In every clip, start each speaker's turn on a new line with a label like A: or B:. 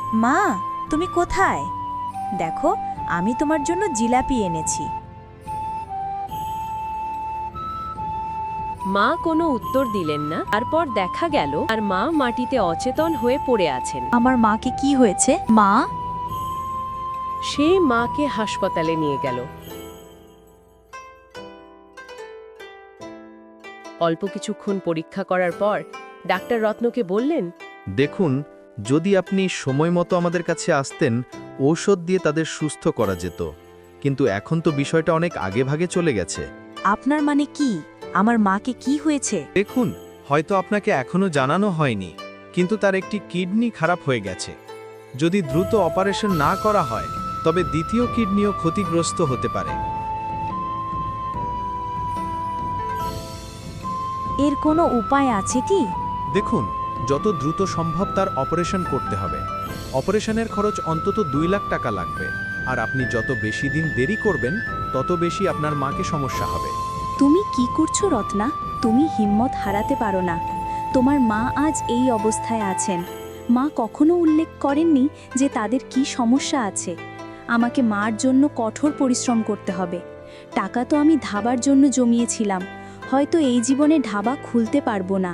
A: মা, তুমি কোথায়? দেখো, আমি তোমার জন্য জিলাপি এনেছি।
B: মা কোনো উত্তর দিলেন না। তারপর দেখা গেল আর মা মাটিতে অচেতন হয়ে পড়ে আছেন।
A: আমার মাকে কি হয়েছে? মা?
B: সে মাকে হাসপাতালে নিয়ে গেল। অল্প কিছুক্ষণ পরীক্ষা করার পর ডাক্তার রত্নকে বললেন,
C: দেখুন, যদি আপনি সময় মতো আমাদের কাছে আসতেন, ঔষধ দিয়ে তাদের সুস্থ করা যেত। কিন্তু এখন তো বিষয়টা অনেক আগেভাগে চলে গেছে।
A: আপনার মানে কি? আমার মাকে কি হয়েছে?
C: দেখুন, হয়তো আপনাকে এখনো জানানো হয়নি, কিন্তু তার একটি কিডনি খারাপ হয়ে গেছে। যদি দ্রুত অপারেশন না করা হয়, তবে দ্বিতীয় কিডনিও ক্ষতিগ্রস্ত হতে পারে।
A: এর কোনো উপায় আছে কি?
C: দেখুন, যত দ্রুত সম্ভব তার অপারেশন করতে হবে। অপারেশনের খরচ অন্তত 2 লাখ টাকা লাগবে। আর আপনি যত বেশি দিন দেরি করবেন, তত বেশি আপনার মাকে সমস্যা হবে।
A: তুমি কি করছো রত্না? তুমি হিম্মত হারাতে পারো না। তোমার মা আজ এই অবস্থায় আছেন। মা কখনো উল্লেখ করেননি যে তাদের কি সমস্যা আছে। আমাকে মার জন্য কঠোর পরিশ্রম করতে হবে। টাকা তো আমি ধাবার জন্য জমিয়েছিলাম। হয়তো এই জীবনে ধাবা খুলতে পারবো না।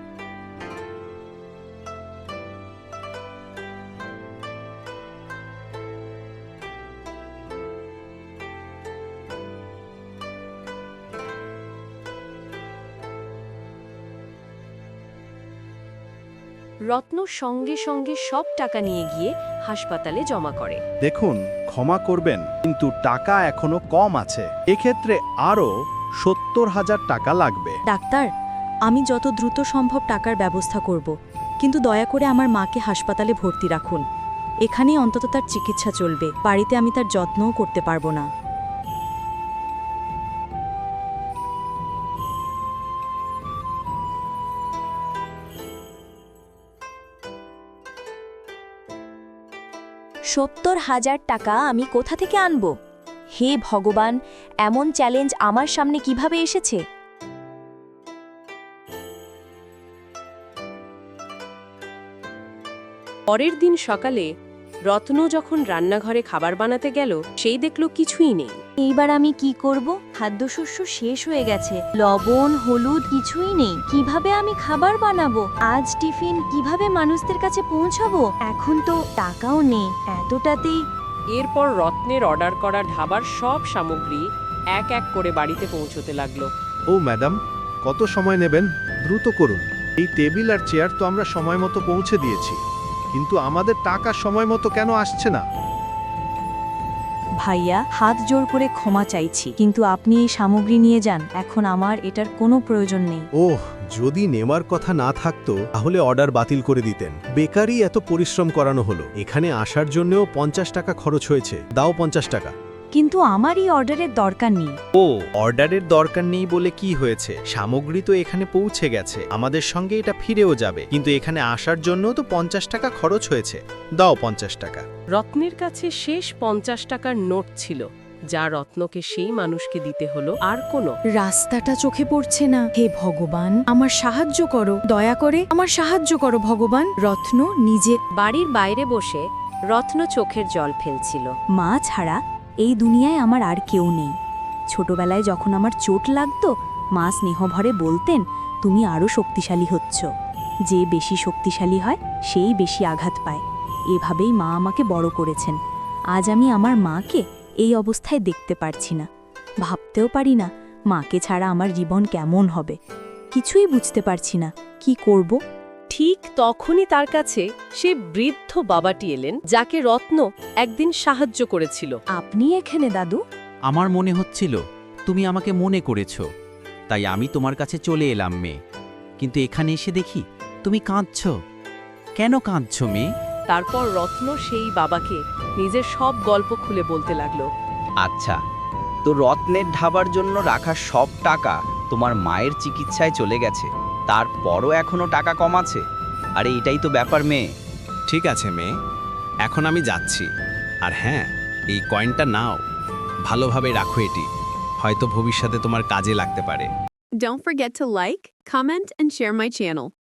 B: রত্ন সঙ্গে সঙ্গে সব টাকা নিয়ে গিয়ে হাসপাতালে জমা করে।
D: দেখুন, ক্ষমা করবেন, কিন্তু টাকা এখনো কম আছে। এক্ষেত্রে আরও 70,000 টাকা লাগবে।
A: ডাক্তার, আমি যত দ্রুত সম্ভব টাকার ব্যবস্থা করব, কিন্তু দয়া করে আমার মাকে হাসপাতালে ভর্তি রাখুন। এখানেই অন্তত তার চিকিৎসা চলবে। বাড়িতে আমি তার যত্নও করতে পারবো না। $70,000 আমি কোথা থেকে আনব? হে ভগবান, এমন চ্যালেঞ্জ আমার সামনে কিভাবে এসেছে?
B: পরের দিন সকালে রত্ন যখন রান্নাঘরে খাবার বানাতে গেল, সেই দেখল কিছুই নেই।
A: এইবার আমি কি করব? খাদ্যশস্য শেষ হয়ে গেছে, লবণ হলুদ কিছুই নেই। কিভাবে আমি খাবার বানাবো? আজ টিফিন কিভাবে মানুষদের কাছে পৌঁছাবো? এখন তো টাকাও নেই। এতটাতেই
B: এরপর রত্নের অর্ডার করা ধাবার সব সামগ্রী এক এক করে বাড়িতে পৌঁছতে লাগলো।
C: ও ম্যাডাম, কত সময় নেবেন? দ্রুত করুন। এই টেবিল আর চেয়ার তো আমরা সময় মতো পৌঁছে দিয়েছি, কিন্তু আমাদের টাকা সময় মতো কেন আসছে না?
A: ভাইয়া, হাত জোর করে ক্ষমা চাইছি, কিন্তু আপনি এই সামগ্রী নিয়ে যান। এখন আমার এটার কোনো প্রয়োজন নেই।
E: ওহ, যদি নেওয়ার কথা না থাকতো তাহলে অর্ডার বাতিল করে দিতেন। বেকারই এত পরিশ্রম করানো হলো, এখানে আসার জন্যও 50 টাকা খরচ হয়েছে। দাও 50 টাকা।
A: কিন্তু আমার এই অর্ডারের দরকার নেই।
C: ও, অর্ডারের দরকার নেই বলে কি হয়েছে? সামগ্রী তো এখানে পৌঁছে গেছে, আমাদের সঙ্গে এটা ফিরেও যাবে। কিন্তু এখানে আসার জন্য তো 50 টাকা খরচ হয়েছে। দাও 50 টাকা।
B: রত্নের কাছে শেষ 50 টাকার নোট ছিল, যা রত্নকে সেই মানুষকে দিতে হলো। আর কোনো
F: রাস্তাটা চোখে পড়ছে না। হে ভগবান, আমার সাহায্য করো, দয়া করে আমার সাহায্য করো ভগবান। রত্ন নিজে
B: বাড়ির বাইরে বসে রত্ন চোখের জল ফেলছিল।
A: মা ছাড়া এই দুনিয়ায় আমার আর কেউ নেই। ছোটবেলায় যখন আমার চোট লাগতো, মা স্নেহভরে বলতেন, তুমি আরও শক্তিশালী হচ্ছ। যে বেশি শক্তিশালী হয় সেই বেশি আঘাত পায়। এভাবেই মা আমাকে বড় করেছেন। আজ আমি আমার মাকে এই অবস্থায় দেখতে পারছি না। ভাবতেও পারি না মাকে ছাড়া আমার জীবন কেমন হবে। কিছুই বুঝতে পারছি না কি করব।
B: ঠিক তখনই তার কাছে সে বৃদ্ধ বাবাটি এলেন, যাকে রত্ন একদিন সাহায্য করেছিল।
A: আপনি এখানে দাদু?
G: আমার মনে হচ্ছিল তুমি আমাকে মনে করেছ, তাই আমি তোমার কাছে চলে এলাম মেয়ে। কিন্তু এখানে এসে দেখি তুমি কাঁদছ। কেন কাঁদছ মেয়ে?
B: তারপর রত্ন সেই বাবাকে নিজের সব গল্প খুলে বলতে লাগলো।
H: আচ্ছা, তো রত্নের ধাবার জন্য রাখা সব টাকা তোমার মায়ের চিকিৎসায় চলে গেছে, তারপরও এখনো টাকা কম আছে? আরে এটাই তো ব্যাপার মেয়ে।
E: ঠিক আছে মেয়ে, এখন আমি যাচ্ছি। আর হ্যাঁ, এই কয়েনটা নাও, ভালোভাবে রাখো। এটি হয়তো ভবিষ্যতে তোমার কাজে লাগতে পারে।
I: Don't forget to like, comment, and share my channel.